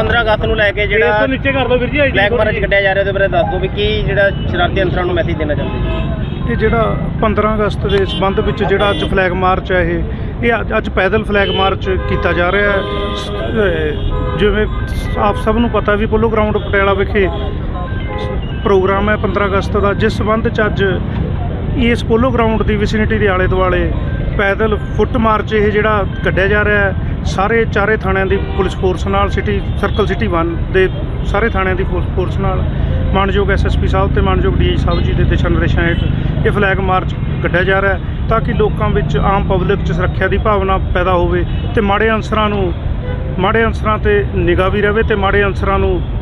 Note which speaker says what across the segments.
Speaker 1: 15 ਅਗਸਤ ਨੂੰ ਲੈ ਕੇ ਜਿਹੜਾ ਨੀਚੇ ਕਰ ਲਓ ਵੀਰ ਜੀ ਬਲੈਕ ਮਾਰਚ ਕੱਢਿਆ ਜਾ ਰਿਹਾ ਉਹਦੇ ਬਾਰੇ ਦੱਸ ਦਿਓ ਵੀ ਕੀ ਜਿਹੜਾ ਸ਼ਰਾਰਤੀ ਅਨਸਰਾਂ ਨੂੰ ਮੈਸੇਜ ਦੇਣਾ ਚਾਹੁੰਦੇ ਜੀ।
Speaker 2: ਇਹ ਜਿਹੜਾ 15 ਅਗਸਤ ਦੇ ਸੰਬੰਧ ਵਿੱਚ ਜਿਹੜਾ ਅੱਜ ਫਲੈਗ ਮਾਰਚ ਹੈ ਇਹ ਅੱਜ ਪੈਦਲ ਫਲੈਗ ਮਾਰਚ ਕੀਤਾ ਜਾ ਰਿਹਾ ਹੈ। ਜਿਵੇਂ ਆਪ ਸਭ ਨੂੰ ਪਤਾ ਵੀ ਪੋਲੋ ਗਰਾਊਂਡ ਪਟਿਆਲਾ ਵਿਖੇ ਪ੍ਰੋਗਰਾਮ ਹੈ 15 ਅਗਸਤ ਦਾ, ਜਿਸ ਸੰਬੰਧ 'ਚ ਅੱਜ ਇਸ ਪੋਲੋ ਗਰਾਊਂਡ ਦੀ ਵਿਸਿਨਿਟੀ ਦੇ ਆਲੇ ਦੁਆਲੇ ਪੈਦਲ ਫੁੱਟ ਮਾਰਚ ਇਹ ਜਿਹੜਾ ਕੱਢਿਆ ਜਾ ਰਿਹਾ ਹੈ। ਸਾਰੇ ਚਾਰੇ ਥਾਣਿਆਂ ਦੀ ਪੁਲਿਸ ਫੋਰਸ ਨਾਲ ਸਰਕਲ ਸਿਟੀ 1 ਦੇ ਸਾਰੇ ਥਾਣਿਆਂ ਦੀ ਫੋਰਸ ਨਾਲ ਮਾਨਯੋਗ ਐਸਐਸਪੀ ਸਾਹਿਬ ਤੇ ਮਾਨਯੋਗ ਡੀਆਈ ਸਾਹਿਬ ਜੀ ਦੇ ਦਿਸ਼ਾ ਨਿਰਦੇਸ਼ਾਂ ਹੇਠ ਇਹ ਫਲੈਗ ਮਾਰਚ ਕੱਢਿਆ ਜਾ ਰਿਹਾ ਹੈ ਤਾਂ ਕਿ ਲੋਕਾਂ ਵਿੱਚ ਆਮ ਪਬਲਿਕ 'ਚ ਸੁਰੱਖਿਆ ਦੀ ਭਾਵਨਾ ਪੈਦਾ ਹੋਵੇ ਤੇ ਮਾੜੇ ਅਨਸਰਾਂ ਤੇ ਨਿਗਾਹ ਵੀ ਰਹੇ ਤੇ ਮਾੜੇ ਅਨਸਰਾਂ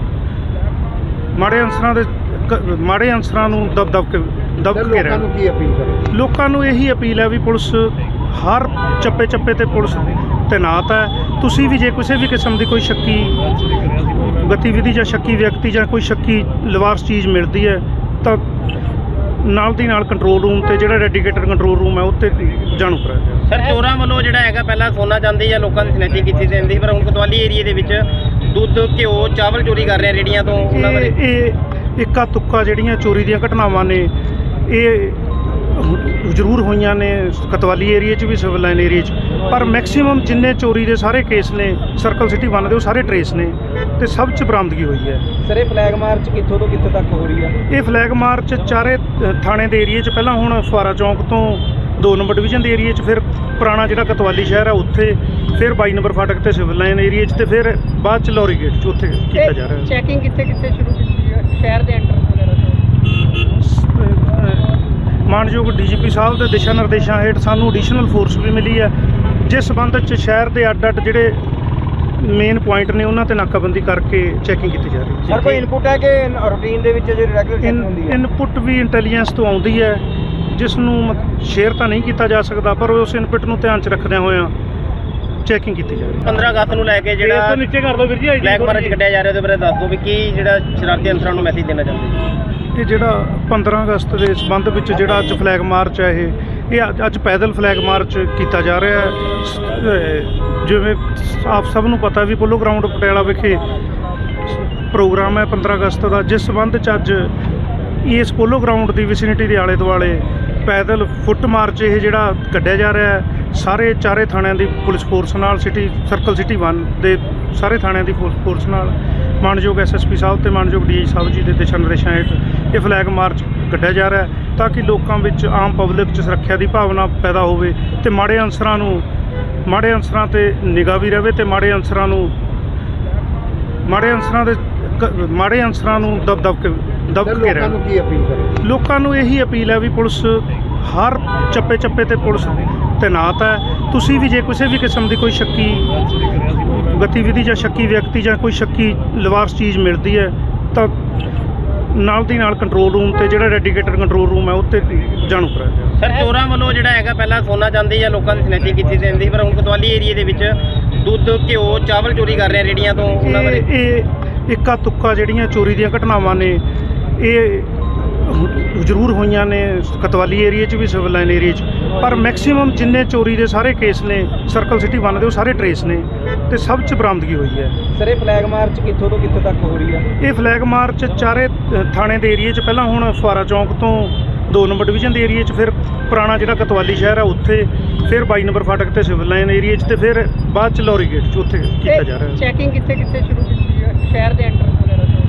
Speaker 2: ਨੂੰ ਦਬ ਕੇ ਰਹਿਣ। ਲੋਕਾਂ ਨੂੰ ਇਹੀ ਅਪੀਲ ਹੈ ਵੀ ਪੁਲਿਸ ਹਰ ਚੱਪੇ ਤੇ ਪੁਲਿਸ ਤੈਨਾਤ ਹੈ। ਤੁਸੀਂ ਵੀ ਜੇ ਕਿਸੇ ਵੀ ਕਿਸਮ ਦੀ ਕੋਈ ਸ਼ੱਕੀ ਗਤੀਵਿਧੀ ਜਾਂ ਸ਼ੱਕੀ ਵਿਅਕਤੀ ਜਾਂ ਕੋਈ ਸ਼ੱਕੀ ਲਿਵਾਰਸ ਚੀਜ਼ ਮਿਲਦੀ ਹੈ ਤਾਂ ਨਾਲ ਦੀ ਨਾਲ ਕੰਟਰੋਲ ਰੂਮ ਤੇ ਜਿਹੜਾ ਡੈਡੀਕੇਟਡ ਕੰਟਰੋਲ ਰੂਮ ਹੈ ਉੱਤੇ ਜਾਣੂ ਕਰਾਇਆ ਜਾਵੇ।
Speaker 1: ਸਰ ਚੋਰਾਂ ਵੱਲੋਂ ਜਿਹੜਾ ਹੈਗਾ ਪਹਿਲਾਂ ਸੋਨਾ ਚਾਂਦੀ ਜਾਂ ਲੋਕਾਂ ਦੀ ਸਨੈਚਿੰਗ ਕੀਤੀ ਜਾਂਦੀ ਪਰ ਹੁਣ ਕੋਤਵਾਲੀ ਏਰੀਏ ਦੇ ਵਿੱਚ ਦੁੱਧ ਘਿਓ ਚਾਵਲ ਚੋਰੀ ਕਰ ਰਹੇ ਰੇੜੀਆਂ ਤੋਂ ਉਹਨਾਂ ਬਾਰੇ
Speaker 2: ਇਹ ਇੱਕਾ ਤੁੱਕਾ ਜਿਹੜੀਆਂ ਚੋਰੀ ਦੀਆਂ ਘਟਨਾਵਾਂ ਨੇ ਇਹ ਜ਼ਰੂਰ ਹੋਈਆਂ ਨੇ ਕੋਤਵਾਲੀ ਏਰੀਏ 'ਚ ਵੀ ਸਿਵਲ ਲਾਈਨ ਏਰੀਏ 'ਚ, ਪਰ ਮੈਕਸੀਮਮ ਜਿੰਨੇ ਚੋਰੀ ਦੇ ਸਾਰੇ ਕੇਸ ਨੇ ਸਰਕਲ ਸਿਟੀ 1 ਦੇ ਉਹ ਸਾਰੇ ਟਰੇਸ ਨੇ ਤੇ ਸਭ 'ਚ ਬਰਾਮਦਗੀ ਹੋਈ ਹੈ।
Speaker 3: ਸਰ ਇਹ ਫਲੈਗ ਮਾਰਚ ਕਿੱਥੋਂ ਤੋਂ ਕਿੱਥੇ ਤੱਕ ਹੋ ਰਹੀ ਹੈ?
Speaker 2: ਇਹ ਫਲੈਗ ਮਾਰਚ ਚਾਰੇ ਥਾਣੇ ਦੇ ਏਰੀਏ 'ਚ ਪਹਿਲਾਂ ਹੁਣ ਫੁਆਰਾ ਚੌਂਕ ਤੋਂ 2 ਨੰਬਰ ਡਿਵੀਜ਼ਨ ਦੇ ਏਰੀਏ 'ਚ, ਫਿਰ ਪੁਰਾਣਾ ਜਿਹੜਾ ਕੋਤਵਾਲੀ ਸ਼ਹਿਰ ਹੈ ਉੱਥੇ, ਫਿਰ 22 ਨੰਬਰ ਫਾਟਕ ਤੇ ਸਿਵਲ ਲਾਈਨ ਏਰੀਏ 'ਚ ਤੇ ਫਿਰ ਬਾਅਦ 'ਚ ਲੌਰੀ ਗੇਟ 'ਚ ਉੱਥੇ ਕੀਤਾ ਜਾ ਰਿਹਾ ਹੈ।
Speaker 4: ਚੈਕਿੰਗ ਕਿੱਥੇ ਸ਼ੁਰੂ ਕੀਤੀ ਹੈ ਸ਼ਹਿਰ ਦੇ ਐਂਟਰ ਵਗੈਰਾ ਤੋਂ?
Speaker 2: ਮਾਨਯੋਗ ਡੀਜੀਪੀ ਸਾਹਿਬ ਦੇ ਦਿਸ਼ਾ ਨਿਰਦੇਸ਼ਾਂ ਹੇਠ ਸਾਨੂੰ ਐਡੀਸ਼ਨਲ ਫੋਰਸ ਵੀ ਮਿਲੀ ਹੈ ਜਿਸ ਸੰਬੰਧ 'ਚ ਸ਼ਹਿਰ ਦੇ ਅੱਡ ਜਿਹੜੇ ਮੇਨ ਪੁਆਇੰਟ ਨੇ ਉਹਨਾਂ ਤੇ ਨਾਕਾਬੰਦੀ ਕਰਕੇ ਚੈਕਿੰਗ ਕੀਤੀ ਜਾ ਰਹੀ ਹੈ।
Speaker 3: ਸਰ ਕੋਈ ਇਨਪੁਟ ਹੈ ਕਿ ਰੂਟੀਨ ਦੇ ਵਿੱਚ ਜਿਹੜੀ ਰੈਗੂਲਰ ਚੈਕਿੰਗ ਹੁੰਦੀ ਹੈ?
Speaker 2: ਇਨਪੁਟ ਵੀ ਇੰਟੈਲੀਜੈਂਸ ਤੋਂ ਆਉਂਦੀ ਹੈ ਜਿਸ ਨੂੰ ਸ਼ੇਅਰ ਤਾਂ ਨਹੀਂ ਕੀਤਾ ਜਾ ਸਕਦਾ ਪਰ ਉਸ ਇਨਪੁਟ ਨੂੰ ਧਿਆਨ 'ਚ ਰੱਖਦਿਆਂ ਹੋਇਆਂ ਚੈਕਿੰਗ ਕੀਤੀ ਜਾ ਰਹੀ ਹੈ।
Speaker 1: 15 ਅਗਸਤ ਨੂੰ ਲੈ ਕੇ ਜਿਹੜਾ ਨੀਚੇ ਕਰ ਲਓ ਵੀਰ ਜੀ ਬਲੈਕ ਮਾਰਚ ਕੱਢਿਆ ਜਾ ਰਿਹਾ ਉਹਦੇ ਬਾਰੇ ਦੱਸ ਦਿਓ ਵੀ ਕੀ ਜਿਹੜਾ ਸ਼ਰਾਰਤੀ ਅਨਸਰਾਂ ਨੂੰ ਮੈਸੇਜ ਦੇਣਾ ਚਾਹੁੰਦੇ ਜੀ।
Speaker 2: ਇਹ ਜਿਹੜਾ 15 ਅਗਸਤ ਦੇ ਸੰਬੰਧ ਵਿੱਚ ਜਿਹੜਾ ਅੱਜ ਫਲੈਗ ਮਾਰਚ ਹੈ ਇਹ ਅੱਜ ਪੈਦਲ ਫਲੈਗ ਮਾਰਚ ਕੀਤਾ ਜਾ ਰਿਹਾ ਹੈ। ਜਿਵੇਂ ਆਪ ਸਭ ਨੂੰ ਪਤਾ ਵੀ ਪੋਲੋ ਗਰਾਊਂਡ ਪਟਿਆਲਾ ਵਿਖੇ ਪ੍ਰੋਗਰਾਮ ਹੈ 15 ਅਗਸਤ ਦਾ, ਜਿਸ ਸੰਬੰਧ 'ਚ ਅੱਜ ਇਸ ਪੋਲੋ ਗਰਾਊਂਡ ਦੀ ਵਿਸਿਨਿਟੀ ਦੇ ਆਲੇ ਦੁਆਲੇ ਪੈਦਲ ਫੁੱਟ ਮਾਰਚ ਇਹ ਜਿਹੜਾ ਕੱਢਿਆ ਜਾ ਰਿਹਾ ਹੈ। ਸਾਰੇ ਚਾਰੇ ਥਾਣਿਆਂ ਦੀ ਪੁਲਿਸ ਫੋਰਸ ਨਾਲ ਸਰਕਲ ਸਿਟੀ 1 ਦੇ ਸਾਰੇ ਥਾਣਿਆਂ ਦੀ ਫੋਰਸ ਨਾਲ ਮਾਨਯੋਗ ਐਸਐਸਪੀ ਸਾਹਿਬ ਤੇ ਮਾਨਯੋਗ ਡੀਆਈ ਸਾਹਿਬ ਜੀ ਦੇ ਦਿਸ਼ਾ ਨਿਰਦੇਸ਼ਾਂ ਹੇਠ ਇਹ ਫਲੈਗ ਮਾਰਚ ਕੱਢਿਆ ਜਾ ਰਿਹਾ ਹੈ ਤਾਂ ਕਿ ਲੋਕਾਂ ਵਿੱਚ ਆਮ ਪਬਲਿਕ 'ਚ ਸੁਰੱਖਿਆ ਦੀ ਭਾਵਨਾ ਪੈਦਾ ਹੋਵੇ ਤੇ ਮਾੜੇ ਅਨਸਰਾਂ ਤੇ ਨਿਗਾਹ ਵੀ ਰਹੇ ਤੇ ਮਾੜੇ ਅਨਸਰਾਂ ਨੂੰ ਦਬ ਕੇ ਰਹਿਣ। ਲੋਕਾਂ ਨੂੰ ਇਹੀ ਅਪੀਲ ਹੈ ਵੀ ਪੁਲਿਸ ਹਰ ਚੱਪੇ ਤੇ ਪੁਲਿਸ ਤੈਨਾਤ ਹੈ। ਤੁਸੀਂ ਵੀ ਜੇ ਕਿਸੇ ਵੀ ਕਿਸਮ ਦੀ ਕੋਈ ਸ਼ੱਕੀ ਗਤੀਵਿਧੀ ਜਾਂ ਸ਼ੱਕੀ ਵਿਅਕਤੀ ਜਾਂ ਕੋਈ ਸ਼ੱਕੀ ਲਿਵਾਰਸ ਚੀਜ਼ ਮਿਲਦੀ ਹੈ ਤਾਂ ਨਾਲ ਦੀ ਨਾਲ ਕੰਟਰੋਲ ਰੂਮ ਤੇ ਜਿਹੜਾ ਡੈਡੀਕੇਟਡ ਕੰਟਰੋਲ ਰੂਮ ਹੈ ਉੱਤੇ ਜਾਣੂ ਕਰਾਇਆ ਜਾਵੇ।
Speaker 1: ਸਰ ਚੋਰਾਂ ਵੱਲੋਂ ਜਿਹੜਾ ਹੈਗਾ ਪਹਿਲਾਂ ਸੋਨਾ ਚਾਂਦੀ ਜਾਂ ਲੋਕਾਂ ਦੀ ਸਨੈਚਿੰਗ ਕੀਤੀ ਜਾਂਦੀ ਪਰ ਹੁਣ ਕੋਤਵਾਲੀ ਏਰੀਏ ਦੇ ਵਿੱਚ ਦੁੱਧ ਘਿਓ ਚਾਵਲ ਚੋਰੀ ਕਰ ਰਹੇ ਰੇੜੀਆਂ ਤੋਂ ਉਹਨਾਂ ਬਾਰੇ
Speaker 2: ਇਹ ਇੱਕਾ ਤੁੱਕਾ ਜਿਹੜੀਆਂ ਚੋਰੀ ਦੀਆਂ ਘਟਨਾਵਾਂ ਨੇ ਇਹ ਜ਼ਰੂਰ ਹੋਈਆਂ ਨੇ ਕੋਤਵਾਲੀ ਏਰੀਏ 'ਚ ਵੀ ਸਿਵਲ ਲਾਈਨ ਏਰੀਏ 'ਚ, ਪਰ ਮੈਕਸੀਮਮ ਜਿੰਨੇ ਚੋਰੀ ਦੇ ਸਾਰੇ ਕੇਸ ਨੇ ਸਰਕਲ ਸਿਟੀ 1 ਦੇ ਉਹ ਸਾਰੇ ਟਰੇਸ ਨੇ ਤੇ ਸਭ 'ਚ ਬਰਾਮਦਗੀ ਹੋਈ ਹੈ।
Speaker 3: ਸਰ ਇਹ ਫਲੈਗ ਮਾਰਚ ਕਿੱਥੋਂ ਤੋਂ ਕਿੱਥੇ ਤੱਕ ਹੋ ਰਹੀ ਹੈ?
Speaker 2: ਇਹ ਫਲੈਗ ਮਾਰਚ ਚਾਰੇ ਥਾਣੇ ਦੇ ਏਰੀਏ 'ਚ ਪਹਿਲਾਂ ਹੁਣ ਫੁਆਰਾ ਚੌਂਕ ਤੋਂ 2 ਨੰਬਰ ਡਿਵੀਜ਼ਨ ਦੇ ਏਰੀਏ 'ਚ, ਫਿਰ ਪੁਰਾਣਾ ਜਿਹੜਾ ਕੋਤਵਾਲੀ ਸ਼ਹਿਰ ਹੈ ਉੱਥੇ, ਫਿਰ 22 ਨੰਬਰ ਫਾਟਕ ਤੇ ਸਿਵਲ ਲਾਈਨ ਏਰੀਏ 'ਚ ਤੇ ਫਿਰ ਬਾਅਦ 'ਚ ਲੌਰੀ ਗੇਟ 'ਚ ਉੱਥੇ ਕੀਤਾ ਜਾ ਰਿਹਾ ਹੈ।
Speaker 4: ਚੈਕਿੰਗ ਕਿੱਥੇ ਸ਼ੁਰੂ ਕੀਤੀ ਹੈ ਸ਼ਹਿਰ ਦੇ ਐਂਟਰ ਵਗੈਰਾ ਤੋਂ?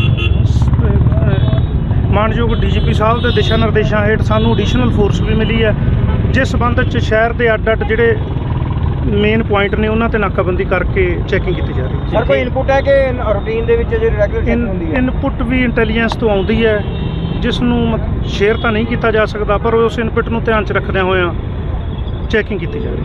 Speaker 2: ਮਾਨਯੋਗ ਡੀਜੀਪੀ ਸਾਹਿਬ ਦੇ ਦਿਸ਼ਾ ਨਿਰਦੇਸ਼ਾਂ ਹੇਠ ਸਾਨੂੰ ਐਡੀਸ਼ਨਲ ਫੋਰਸ ਵੀ ਮਿਲੀ ਹੈ ਜਿਸ ਸੰਬੰਧ 'ਚ ਸ਼ਹਿਰ ਦੇ ਅੱਡ ਜਿਹੜੇ ਮੇਨ ਪੁਆਇੰਟ ਨੇ ਉਹਨਾਂ ਤੇ ਨਾਕਾਬੰਦੀ ਕਰਕੇ ਚੈਕਿੰਗ ਕੀਤੀ ਜਾ ਰਹੀ ਹੈ।
Speaker 3: ਸਰ ਕੋਈ ਇਨਪੁਟ ਹੈ ਕਿ ਰੂਟੀਨ ਦੇ ਵਿੱਚ ਜਿਹੜੀ ਰੈਗੂਲਰ ਚੈਕਿੰਗ ਹੁੰਦੀ ਹੈ?
Speaker 2: ਇਨਪੁਟ ਵੀ ਇੰਟੈਲੀਜੈਂਸ ਤੋਂ ਆਉਂਦੀ ਹੈ ਜਿਸ ਨੂੰ ਸ਼ੇਅਰ ਤਾਂ ਨਹੀਂ ਕੀਤਾ ਜਾ ਸਕਦਾ ਪਰ ਉਸ ਇਨਪੁਟ ਨੂੰ ਧਿਆਨ 'ਚ ਰੱਖਦਿਆਂ ਹੋਇਆਂ ਚੈਕਿੰਗ ਕੀਤੀ ਜਾ ਰਹੀ ਹੈ।